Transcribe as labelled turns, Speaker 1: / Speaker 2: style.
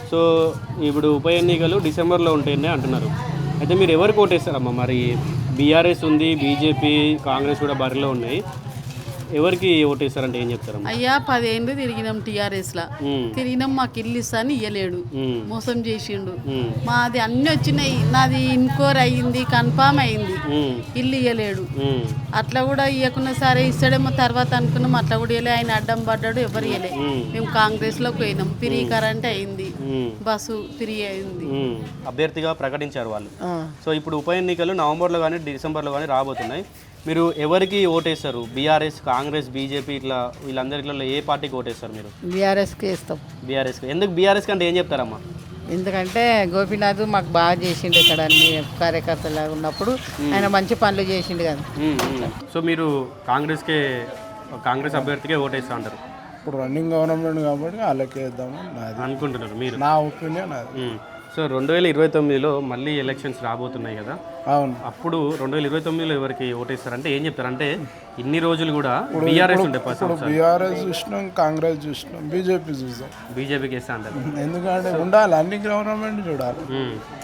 Speaker 1: So ఇప్పుడు ఉప ఎన్నికలు డిసెంబర్లో ఉంటాయని అంటున్నారు. అయితే మీరు ఎవరికి ఓటేస్తారమ్మా? మరి బీఆర్ఎస్ ఉంది, బీజేపీ, కాంగ్రెస్ కూడా బరిలో ఉన్నాయి. ఎవరికి ఓటేస్తారంటే ఏం చెప్తారమ్మా?
Speaker 2: అయ్యా 10 ఏళ్ళు తిరిగినాం టీఆర్ఎస్లా. తిరిగినాం, మాకు ఇల్లు ఇస్తాను ఇయ్యలేడు, మోసం చేసిండు. మాది అన్నీ వచ్చినాయి, నాది ఇన్కోర్ అయ్యింది, కన్ఫామ్ అయింది, ఇల్లు ఇయ్యలేడు. అట్లా కూడా ఇవ్వకున్నా సరే ఇస్తాడేమో తర్వాత అనుకున్నాం, అట్లా కూడా ఇవ్వలే. ఆయన అడ్డం పడ్డాడు, ఎవరు ఇవ్వలే. మేము కాంగ్రెస్లోకి పోయినాం, ఫ్రీ కరెంట్ అయింది, బస్సు ఫ్రీ అయింది.
Speaker 1: అభ్యర్థిగా ప్రకటించారు వాళ్ళు. సో ఇప్పుడు ఉప ఎన్నికలు నవంబర్లో కానీ డిసెంబర్లో కానీ రాబోతున్నాయి. మీరు ఎవరికి ఓటేస్తారు? బీఆర్ఎస్, కాంగ్రెస్, బీజేపీ ఇట్లా వీళ్ళందరిలో ఏ పార్టీకి ఓటేస్తారు మీరు?
Speaker 3: బీఆర్ఎస్కి ఇస్తాం.
Speaker 1: బీఆర్ఎస్కి. ఎందుకు బీఆర్ఎస్ కంటే ఏం చెప్తారమ్మా?
Speaker 3: ఎందుకంటే గోపీనాథ్ మాకు బాగా చేసిండు, ఇక్కడ అన్ని కార్యకర్తలాగా ఉన్నప్పుడు ఆయన మంచి పనులు చేసిండు కదా.
Speaker 1: సో మీరు కాంగ్రెస్ అభ్యర్థికే ఓటేస్తా అంటారు?
Speaker 4: ఇప్పుడు రన్నింగ్ గవర్నమెంట్ కాబట్టి వాళ్ళకే వేద్దామని నాది
Speaker 1: అనుకుంటున్నారు మీరు?
Speaker 4: నా ఒపీనియన్ అది.
Speaker 1: సో 2029లో మళ్ళీ ఎలక్షన్స్ రాబోతున్నాయి కదా.
Speaker 4: అవును.
Speaker 1: అప్పుడు 2029లో ఎవరికి ఓటేస్తారంటే ఏం చెప్తారు? అంటే ఇన్ని రోజులు కూడా బీఆర్ఎస్ ఉండే
Speaker 4: బీఆర్ఎస్ చూసినాం, కాంగ్రెస్ చూసినాం, బీజేపీ చూసాం.
Speaker 1: బీజేపీకి వేస్తా అంటారు.
Speaker 4: ఎందుకంటే ఉండాలి, అన్ని గవర్నమెంట్ చూడాలి.